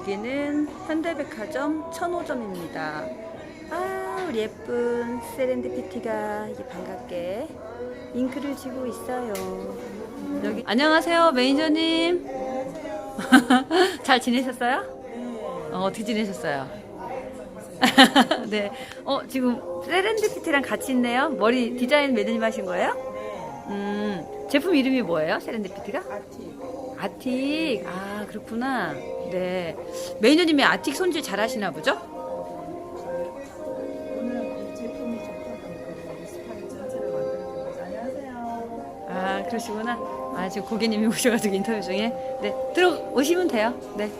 여기는 현대백화점 천호점입니다. 아, 우리 예쁜 세렌디피티가 이게 반갑게 잉크를 쥐고 있어요. 여기 안녕하세요, 매니저님. 잘 지내셨어요? 어떻게 지내셨어요? 네. 지금 세렌디피티랑 같이 있네요. 머리 디자인 매니저님 하신 거예요? 제품 이름이 뭐예요? 세렌디피티가? 아틱. 아, 그렇구나. 네. 매니저님이 아틱 손질 잘 하시나 보죠? 오늘 이 제품이 좋다고 하니까 스파일 전체를 만들고 계세요. 안녕하세요. 아, 그러시구나. 아, 지금 고객님이 오셔가지고 인터뷰 중에. 네. 들어오시면 돼요. 네.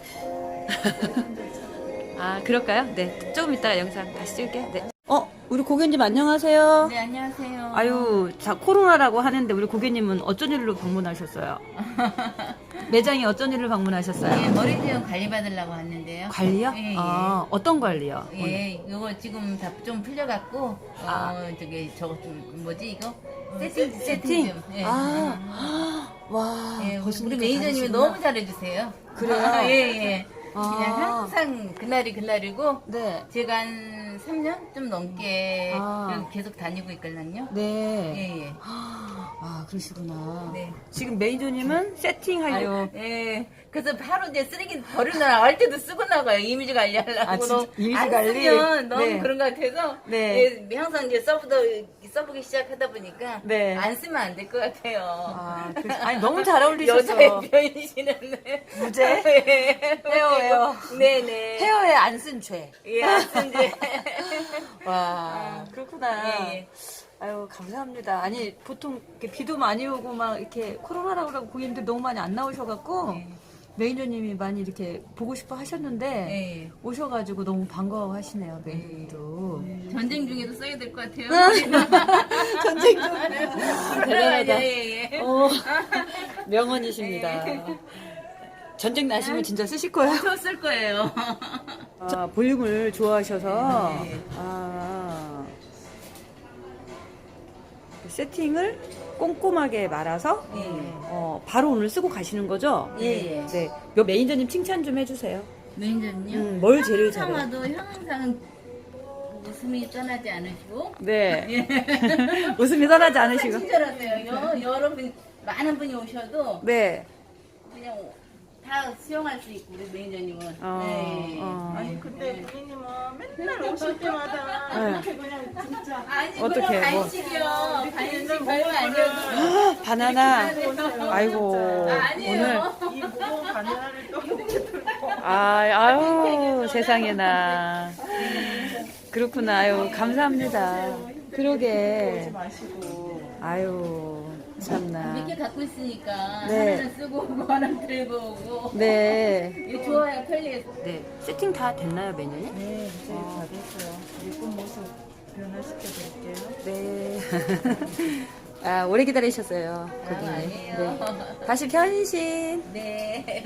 아, 그럴까요? 네. 조금 이따가 영상 다시 찍을게요. 네. 우리 고객님 안녕하세요. 네, 안녕하세요. 아유, 자, 코로나라고 하는데 우리 고객님은 어쩐 일로 방문하셨어요? 매장에 어쩐 일로 방문하셨어요? 예, 머리 제형 관리 받으려고 왔는데요. 관리요? 예, 예. 아, 어떤 관리요? 오늘? 예, 이거 지금 다 좀 풀려갖고, 저기, 저거 좀, 뭐지, 이거? 세팅 좀. 예. 와, 예, 벌써 우리 이렇게 매니저님이 다르시구나. 너무 잘해주세요. 그래요? 예, 예. 아. 그냥 항상 그날이 그날이고, 네. 제가 한 3년 좀 넘게 아. 여기 계속 다니고 있거든요. 네. 예, 예. 아, 그러시구나. 네. 지금 매니저님은 세팅하려고. 예. 그래서 바로 이제 쓰레기 버리고 나갈 때도 쓰고 나가요. 이미지 관리하려고. 아, 진짜? 너무 이미지 안 관리? 쓰면 너무 네. 그런 것 같아서. 네. 예, 항상 이제 써보기 시작하다 보니까. 네. 안 쓰면 안 될 것 같아요. 아, 아니, 너무 잘 어울리셨어. 여자의 변신했네. 무죄? 예. 헤어예요. 네네. 헤어에 안 쓴 죄. 예, 안 쓴 지. 와, 그렇구나. 예, 예. 아유, 감사합니다. 아니, 보통 이렇게 비도 많이 오고 막 이렇게 코로나라고 그러고 고객님들 너무 많이 안 나오셔갖고 예. 매니저님이 많이 이렇게 보고 싶어 하셨는데 예, 예. 오셔가지고 너무 반가워하시네요, 매니저님도. 전쟁 중에도 써야 될 것 같아요. 전쟁 중. 대단하다. 예, 예. 명언이십니다. 전쟁 나시면 진짜 쓰실 거예요? 저 쓸 거예요. 아, 볼륨을 좋아하셔서 네. 세팅을 꼼꼼하게 말아서 예. 바로 오늘 쓰고 가시는 거죠? 예, 예. 네. 요 매니저님 칭찬 좀 해주세요. 매니저님요? 뭘 제일 잘해요? 항상 와도 항상 웃음이 떠나지 않으시고 네. 웃음이 떠나지 항상 않으시고. 친절하세요. 여러분 많은 분이 오셔도 네. 그냥 다 수용할 수 있고 우리 매니저님은. 아니 근데 부인님은 맨날 오실 때마다 네. 이렇게 그냥 진짜 아니 어떡해, 그럼 뭐. 간식이요. 간식 별거 아니어도. 바나나. 아이고. 아니에요. 오늘. 이 무거운 바나나를 또 이렇게 들고 아유, 세상에나. 그렇구나. 아유, 감사합니다. 그러게. 오지 마시고 아유, 참나. 몇 개 갖고 있으니까 네. 하나는 쓰고 오고 하나 들고 오고. 네. 이게 좋아요, 편리해서. 네. 세팅 다 됐나요, 매니저님? 네 이제 다 됐어요. 예쁜 모습 변화시켜 드릴게요. 네. 아, 오래 기다리셨어요, 고객님. 아니에요. 네. 다시 변신. 네.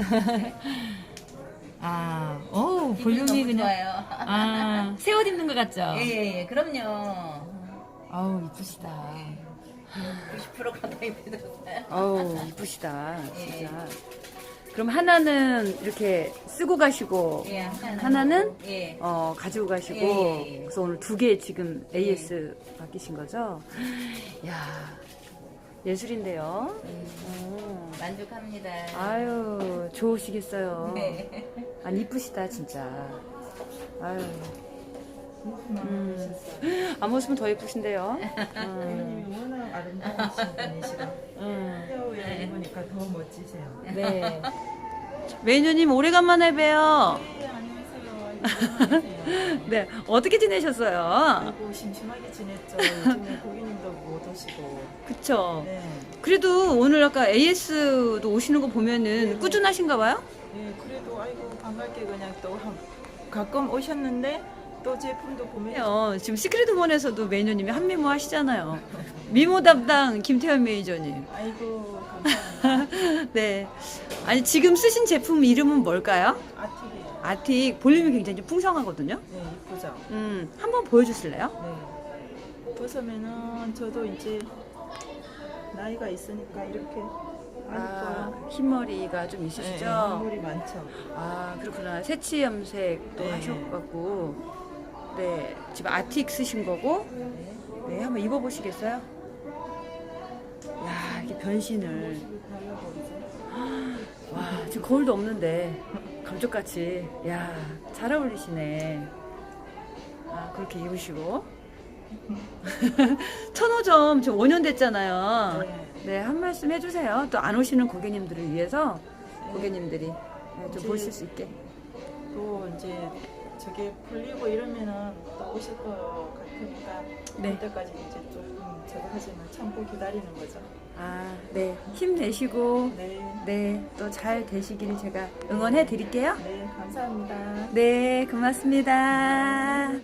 아, 기분이 너무 좋아요. 아, 새 옷 입는 것 같죠? 예, 예, 그럼요. 아우, 이쁘시다. 90% 가까이 들었어요. 아우, 이쁘시다. 예. 진짜. 그럼 하나는 이렇게 쓰고 가시고, 예, 하나는 예. 가지고 가시고, 예, 예. 그래서 오늘 두 개 지금 AS 맡기신 거죠? 야 예술인데요. 만족합니다. 아유, 좋으시겠어요. 네. 아니, 이쁘시다, 진짜. 아유. 앞모습은 더 예쁘신데요. 부인님이 워낙 아름다우신 분이시라 헤어웨어 입으니까 더 멋지세요. 네. 매니저님, 오래간만에 봬요. 네 안녕하세요. 네, 어떻게 지내셨어요? 아이고 심심하게 지냈죠. 요즘에 고객님도 못 오시고. 그쵸. 네. 그래도 오늘 아까 AS도 오시는 거 보면은 꾸준하신가 봐요? 네, 그래도 아이고 반갑게 그냥 또 가끔 오셨는데 또 제품도 보면 지금 시크릿우먼에서도 매니저님이 한미모 하시잖아요. 미모 담당 김태현 매니저님. 아이고 감사합니다. 네. 아니, 지금 쓰신 제품 이름은 뭘까요? 아틱이에요. 아틱 볼륨이 굉장히 좀 풍성하거든요. 네, 이쁘죠. 한번 보여주실래요? 네. 벗으면은 저도 이제 나이가 있으니까 이렇게 흰머리가 좀 있으시죠? 물이 많죠. 아, 그렇구나. 새치 염색도 네. 하셨고, 네, 지금 아틱 쓰신 거고, 네, 한번 입어보시겠어요? 야, 이렇게 변신을. 와, 지금 거울도 없는데, 감쪽같이. 야, 잘 어울리시네. 아, 그렇게 입으시고. 천호점 지금 5년 됐잖아요. 네, 한 말씀 해주세요. 또 안 오시는 고객님들을 위해서, 고객님들이 좀 이제 보실 수 있게. 또 이제 저게 풀리고 이러면은 또 오실 것 같으니까 네. 그때까지 이제 좀 저거 하지만 참고 기다리는 거죠. 아, 네. 힘내시고, 네, 네, 또 잘 되시길 제가 응원해 드릴게요. 네, 감사합니다. 네, 고맙습니다.